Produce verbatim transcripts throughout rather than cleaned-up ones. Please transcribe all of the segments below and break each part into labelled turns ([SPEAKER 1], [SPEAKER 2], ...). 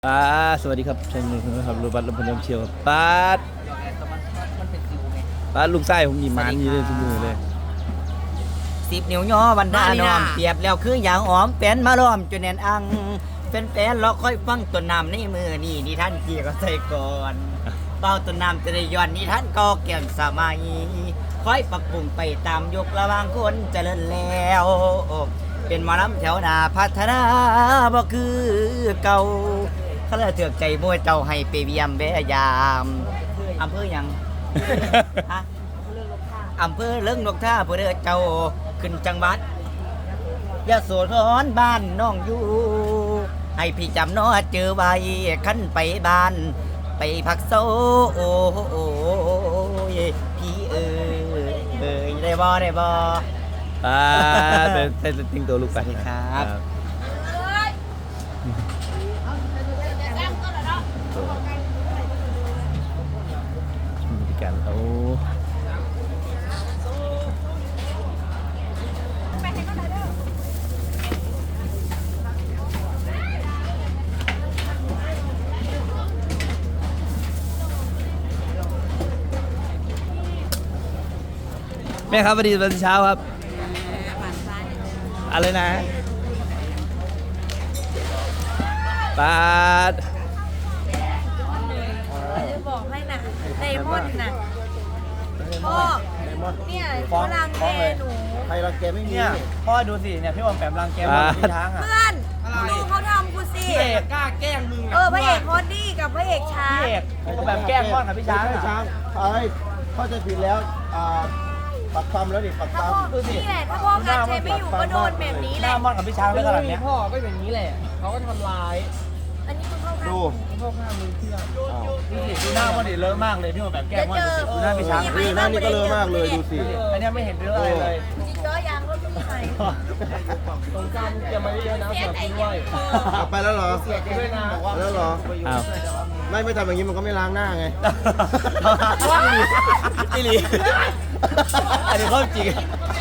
[SPEAKER 1] ป้าสวัสดีครับเช่นนี้ครับรูบัตรลำพูนยำเชียวป้าป้าลูกไส้ผมหยิบมันนี่เลยทุกมือเลย
[SPEAKER 2] สิบนิ้วย่อวันดาน้อมเปรียบแล้วคืออย่างหอมแป้นมาล้อมจนแน่นอังเป็นแป้นเราค่อยฟังต้นน้ำในมือนี่นี่ท่านเกี่ยวก็ใส่ก่อนเบาต้นน้ำจะได้ย้อนนี่ท่านก็เกี่ยมสมัยค่อยปรับปรุงไปตามยุคระหว่างคนเจริญแล้วเป็นหมอลำแถวหน้าพัฒนาบ่คือเก่าเขาเลยเถือกใจมวยเจ้าให้ไปเวียมแวะยามอำเภอหยัง ฮะอำเภอเลิงนกท่าเพื่อเจ้าขึ้นจังหวัดยะโสธรบ้านน้องอยู่ให้พี่จำน้อเจอไว้ขั้นไปบ้านไปพักโซโอ้โอ้พี่เอ๋ยเอ๋ยได้บ่ได้บ่
[SPEAKER 1] ป้าเป็นเป็นติ้งตัวลูกไป
[SPEAKER 2] ครับ
[SPEAKER 1] บริการเขาแม่ครับสวัสดีตอนเช้าครับอะไรนะปาด
[SPEAKER 3] จะบอกให้นะไดมอนด์นะพ่อเนี่ยเขารังแกหนู
[SPEAKER 4] ใครรังแกไม่มี
[SPEAKER 2] เนี่ยพ่อดูสิเนี่ยพี่บอมแปมรังแกหมดพี่ช้างอ่ะ
[SPEAKER 3] เพื่อนดูเขาทำกูสิ
[SPEAKER 2] พี่เอกกล้าแกล้งมึง
[SPEAKER 3] เออพระเอกฮอตดี้กับพระเอกช้าง
[SPEAKER 2] พี่เอกเขาแบบแกล้งพ่อกับพี่ช้าง
[SPEAKER 4] ไม่ใช่ช้างไอ้เข้าใจผิดแล้วอ่าปักปั๊มแล้วดิปัก
[SPEAKER 3] ถ้า
[SPEAKER 4] ปั๊ม
[SPEAKER 3] พ่อนี่แหละถ้าพ่อการใช้ไม่อยู่ก็โดนแบบนี้
[SPEAKER 2] ห
[SPEAKER 3] แห
[SPEAKER 2] น้า
[SPEAKER 3] ละ
[SPEAKER 2] ม่อนกับพี่ช้างเรื่องอะไรเนี้ย
[SPEAKER 5] พ่อก็อย่างนี้แหละเขาก็ทำร้าย
[SPEAKER 3] อันนี้คุณเข้าข้าง
[SPEAKER 4] ดู
[SPEAKER 5] พ่อข้ามือเพื่อน
[SPEAKER 2] ดูหน้าม่อนดิเลอะมากเลยพี่บอมแบบแกล้งม่อน
[SPEAKER 3] เจอ
[SPEAKER 2] ดูหน้าพี่ช้าง
[SPEAKER 4] นี่หน้านี่ก็เลอะมากเลยดูสิ
[SPEAKER 2] อันนี้ไม่เห็นเรื่องอะไรเลย
[SPEAKER 3] จริงๆล้อยางรถก็มีไหม
[SPEAKER 5] ตรงกลางเตรียมมาเยอะๆนะ
[SPEAKER 3] เสีย
[SPEAKER 5] สำหรับ
[SPEAKER 3] ใจ
[SPEAKER 5] คุณ
[SPEAKER 3] ยั
[SPEAKER 5] ด้
[SPEAKER 3] ง
[SPEAKER 5] วย
[SPEAKER 4] กลับไปแล้วเหรอ
[SPEAKER 5] ด้วยนะ
[SPEAKER 4] แล้วเหรอ
[SPEAKER 1] อ้าว
[SPEAKER 4] ไม่ไม่ทำอย่างนี้มันก็ไม่ล้างหน้าไง
[SPEAKER 2] ว่างอีอีหลีอันนี้ข้อจริง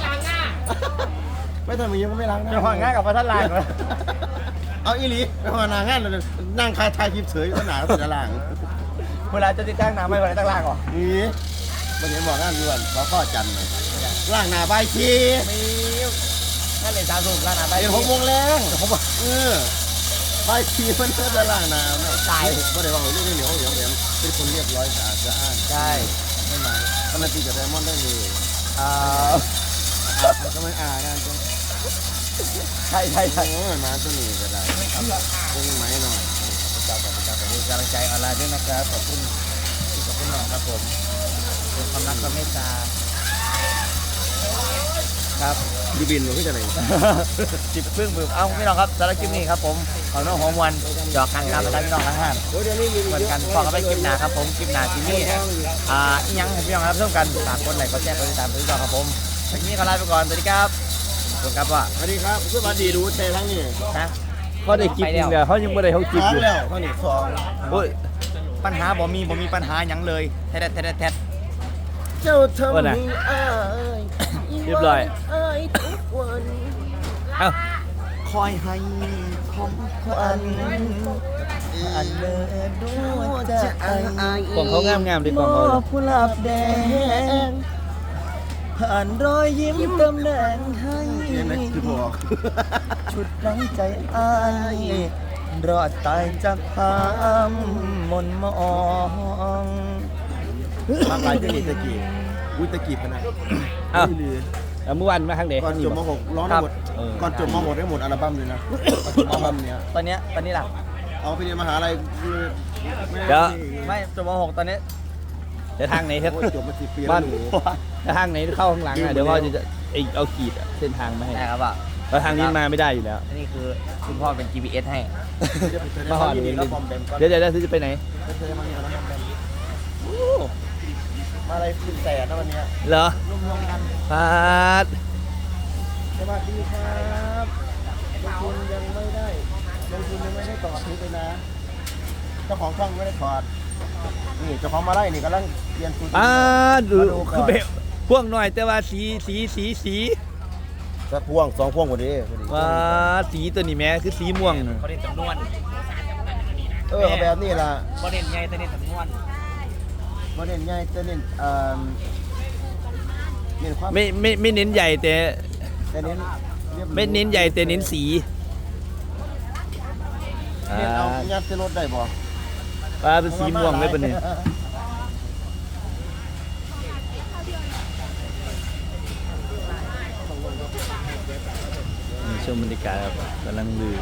[SPEAKER 4] ไม่ทำอย่างนี้มันก็ไม่ล้างหน้า
[SPEAKER 2] จะห่างง่ายกับพระท่านลางเลย
[SPEAKER 4] เอาอีหลีไปห่างานงานเลยนั่งคายทายคลิปเฉยก็หนาสุดล่าง
[SPEAKER 2] เวลาจะติดตั้งน้ำไม่เวลาตั้งล่างก่อน
[SPEAKER 4] นี่มันเห็นบอกงานด่วนเขาข้อจันทร์เลยล่างหนาใบชี
[SPEAKER 2] มีนั่นเลยสามสูบล่างน้ำไป
[SPEAKER 4] เดี๋ยวหกโมงแรงผมบอกเออใบชีมันก็จะล่างน้ำตายก็ได้ว่าเรื่องนี้เหนียวเหนียวเหนียวเป็นคนเรียบร้อยสะอาดสะอ้าน
[SPEAKER 2] ใช่
[SPEAKER 4] ไม่มาทำไมตีกับไดมอนด์ได้เลย
[SPEAKER 2] อ่า
[SPEAKER 4] ทำไมอ่างานตรง
[SPEAKER 2] ใช่ใช่ใช่
[SPEAKER 4] โอ้ยมาตัวนี้ก็ได้เป็นไหมหน่อย
[SPEAKER 2] เจ้ากับเจ้ากับกำลังใจออนไลน์ด้วยนะครับขอบคุณที่ขอบคุณน้องครับผมเป็นความรักความเมตตาครับ
[SPEAKER 4] ดูบินหรือที่จะไหน
[SPEAKER 2] จิบพึ่งบึ้มเอ้าพี่น้องครับสำหรับคลิปนี้ครับผมขอน้องหัวมวลจอกกันครับพี่น้องทั้งห้า
[SPEAKER 4] โอ้ยเดี๋ยวนี้มี
[SPEAKER 2] เหมือนกันพอกันไปคลิปหน้าครับผมคลิปหน้าที่นี่อ่าอีหยังให้พี่น้องรับชมกันฝากกดไลค์กดแชร์กดติดตามพี่น้องครับผมทีนี้ก็ลาไปก่อนสวัสดีครับขอบคุณครับว่า
[SPEAKER 4] สวัสดีครับสวัสดีดูเททั้งนี้
[SPEAKER 2] นะ
[SPEAKER 1] เขาได้กินเดียวเขายังไม่ได้เขากิน
[SPEAKER 4] สอง
[SPEAKER 1] อยู่
[SPEAKER 4] แล้วเท่านี้สอง
[SPEAKER 1] โอ้ย
[SPEAKER 2] ปัญหาบ่มีบ่มีปัญหาหยังเลยแท้แท้แท้แท้
[SPEAKER 4] เจ้าทำให้อาย
[SPEAKER 1] เรียบร้อย
[SPEAKER 4] อายทุกวัน
[SPEAKER 1] เอ้า
[SPEAKER 2] คอยให้ของขวัญอันเลิศดวงใจ
[SPEAKER 1] กล่องเขางามงามๆดิกล่องเขา
[SPEAKER 2] มอบกุหลาบแดงผ่านรอยยิ้มเติมแดงให้
[SPEAKER 4] เห็นไหมคือบอก
[SPEAKER 2] ชุดรั้งใจอายรอดตายจากความมนมอง
[SPEAKER 4] มากหลายเทคนิคตะกี้อุ้ยตะกี้ขนาด
[SPEAKER 1] อ้าวแล้วเมื่อวานมาครั้งเดียว
[SPEAKER 4] ก่อนจบม .หก ร้องได้หมดก่อนจบม .หก ได้หมดอัลบั้มเลยนะอัลบั้มเนี้ย
[SPEAKER 2] ตอนเนี้ยตอนนี้ล่ะ
[SPEAKER 4] เอาไปเรียนมหาลัย
[SPEAKER 1] เดี๋ยว
[SPEAKER 2] ไม่จบม .หก ตอนนี้
[SPEAKER 1] เดี๋ยวทางไหนครับ
[SPEAKER 4] จบมาสิบปี
[SPEAKER 1] บ้า
[SPEAKER 4] แล้ว
[SPEAKER 1] น
[SPEAKER 4] หนู
[SPEAKER 1] ถ้าทางไหนเข้าข้างหลังอ่ะเดี๋ยวพ่อจะไอเอาขีดอะเส้นทางมาให้
[SPEAKER 2] ได้ครับอ่ะ
[SPEAKER 1] แล้วทางนี้มาไม่ได้อยู่แล้ว
[SPEAKER 2] อันนี้คือคุณพ่อเป็น จี พี เอส ให้
[SPEAKER 1] มาหอด
[SPEAKER 4] นี่แล้วบอมแบมก็
[SPEAKER 1] เดี๋ยวเดี๋ยวเดี๋ยวจะไปไหน
[SPEAKER 4] เธอมานี่แล้วบอมแบมมาอะไรคุณแสนนะวันเนี้ย
[SPEAKER 1] เหรอ
[SPEAKER 4] รวมรวมกัน
[SPEAKER 1] พาด
[SPEAKER 4] สวัสดีครับลงทุนยังไม่ได้ลงทุนยังไม่ได้ต่อซื้อไปนะเจ้าของช่องไม่ได้ถอดนี่เจ้าของมาไล่นี่กำลังเปลี่ยนชุด
[SPEAKER 1] อ่าดู
[SPEAKER 4] มาก่น
[SPEAKER 1] คือแบบพวกหน่อยแต่ว่าสีสีสีสี
[SPEAKER 4] สักพ่วงสองพ่วงกว่านี้
[SPEAKER 1] ว่าสีตัวนี้แม้คือสีม่วงน่ะ
[SPEAKER 2] เขาเรียกจำนวน
[SPEAKER 4] เออแบบนี้ล่ะ
[SPEAKER 2] บ่เน้นใหญ่แต่เน้นสำนวน
[SPEAKER 4] บ่เน้นใหญ่แต่เน้นเอ่อเน้นความ
[SPEAKER 1] ไม่ไม่ไม่เน้นใหญ่แต่
[SPEAKER 4] แต่เน้นรียบหรู
[SPEAKER 1] ไม่เน้นใหญ่แต่เน้นสี
[SPEAKER 4] เน้นเอายัดใส่รถได้บ่
[SPEAKER 1] ปลาเป็นสีม่วงเลยปะเนี่ยนี่ชมบรรยากาศครับกำลังลือ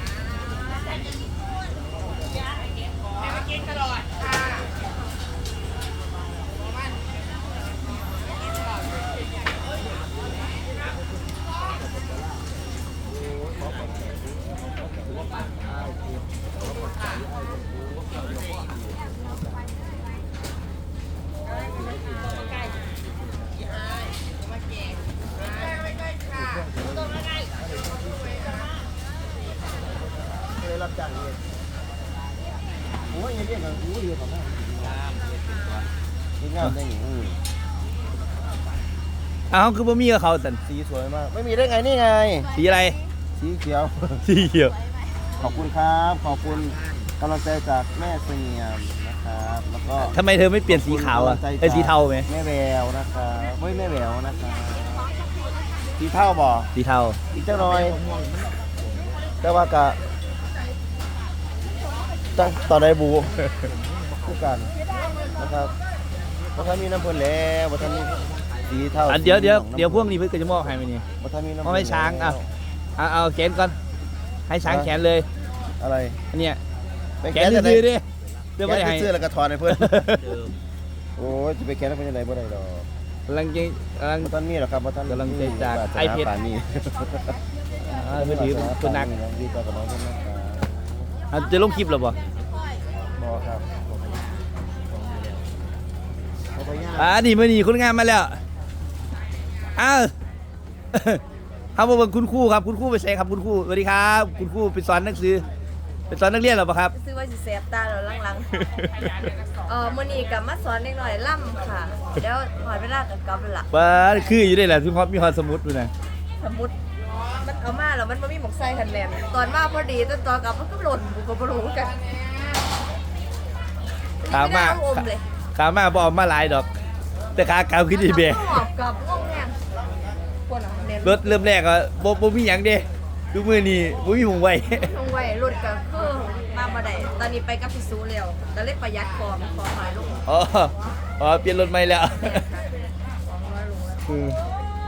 [SPEAKER 4] เลยรับจ้างเองโอ้ยยังเรียกกันโอ้ยเรียกของงามงามได้หนิอือ
[SPEAKER 1] อ้าวคือบ่มีกับเขาสัน
[SPEAKER 4] สีสวยมาก ไม่มีได้ไงนี่ไง
[SPEAKER 1] สีอะไร
[SPEAKER 4] สีเขียว
[SPEAKER 1] สีเขียว
[SPEAKER 4] ขอบคุณครับ ขอบคุณกำลังใจจากแม่เสียมนะครับ แล้วก็
[SPEAKER 1] ทำไมเธอไม่เปลี่ยนสีขาวอ่ะ
[SPEAKER 4] กำลังใจ
[SPEAKER 1] ไอ้ยสีเทาไหม
[SPEAKER 4] แม่แววนะครับเฮ้ยแม่แววนะครับสีเทาบ่
[SPEAKER 1] สีเทา
[SPEAKER 4] อีกเจ้าน้อย แต่ว่ากะตั้งต่อได้บูคู่กันนะครับบัท่านมีน้ำเพลินแล้วบัท่านมีสีเทา
[SPEAKER 1] อันเดี๋ยวเดี๋ยว
[SPEAKER 4] สีหลือง
[SPEAKER 1] เดี๋ยวพวกนี้เพื่อนก็จะมอบให้ไหมนี่
[SPEAKER 4] บัท่านมีน้ำ
[SPEAKER 1] มอบให้ช้างอ่ะ เอาเอาแขนก่อน ให้ช้างแขนเลย
[SPEAKER 4] อะไร
[SPEAKER 1] อันเนี้ย
[SPEAKER 4] ไป
[SPEAKER 1] แข
[SPEAKER 4] แกะ
[SPEAKER 1] น
[SPEAKER 4] จะได้
[SPEAKER 1] ซื้อๆดิเดี๋ยว
[SPEAKER 4] แก
[SPEAKER 1] ไม่ได้
[SPEAKER 4] ะ
[SPEAKER 1] ให้
[SPEAKER 4] เสื้อแล้วก็ถอดให้เพื่อนโอ้ยจะไปแกะแล้วเป็นยังไงบ่ได้ดอก
[SPEAKER 1] กำลังจะกำลัง
[SPEAKER 4] บัท่านมีหรอครับบัท่าน
[SPEAKER 1] กำลังใจจาก
[SPEAKER 4] วสนา
[SPEAKER 1] ไอเพชร
[SPEAKER 4] ป่านนี้
[SPEAKER 1] อ่าเพื่อถือคนหนัก
[SPEAKER 4] ดีใจกับน้องคนนัก
[SPEAKER 1] อ่ะจะลงคลิปหรอปะ
[SPEAKER 4] บอครับเอาไปย่าง
[SPEAKER 1] อ่านี่มื่อนี้คนงานมาแล้ว อ้าว ทำมาเบิ่งคุณครูครับ คุณครูไปใส่ครับคุณครูสวัสดีครับ คุณครูไปสอนหนังสือไปสอนนักเรียนหรอปะครับ
[SPEAKER 3] ซื้อว่าสิแสบตาเราลังๆเออมื้อนี้ก็มาสอนเด็กหน่อยล่ำค่ะแล้วหอยเวลากับกลับละ
[SPEAKER 1] ว้าคืออยู่ได้แหละทุกคนมีความสมุดด้วยนะ
[SPEAKER 3] สมมุติมันเอามาแล้วมันบ่มีหมกไส้คันแลนตอนมาพอดีตอนตอนกลับมันก็หล่นบุกบ่รู้กัน
[SPEAKER 1] ขามา
[SPEAKER 3] ไได้เออมเลย
[SPEAKER 1] ขามาบเอกมาหลายดอก แต่ขากาวขึ้นดีเบะ
[SPEAKER 3] หอบกับงงแงงปวดหลังแน่น
[SPEAKER 1] รถเริ่มแรกก็บ่บ่มีหยังเด้ดูมือนี่บ่มีหงไว้
[SPEAKER 3] ลงไว้รถก็คือมาบ่ได้ตอนนี้ไปกับพี่ซูแล้วแล้วเลยประหยัดของของหายลง
[SPEAKER 1] อ๋ออ๋อเปลี่ยนรถใหม่แล้ว
[SPEAKER 3] แม่ค่ะของน้อยลงแล้ว
[SPEAKER 1] อืม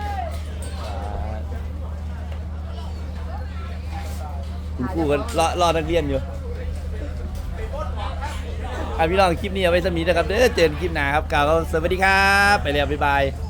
[SPEAKER 1] คุณครูก็รอรอนักเรียนอยู่อ่ะพี่น้องคลิปนี้เอาไว้สมีนะครับเด้อเจอกันคลิปหน้าครับกล่าวว่าสวัสดีครับ ไปแล้วบ๊ายบาย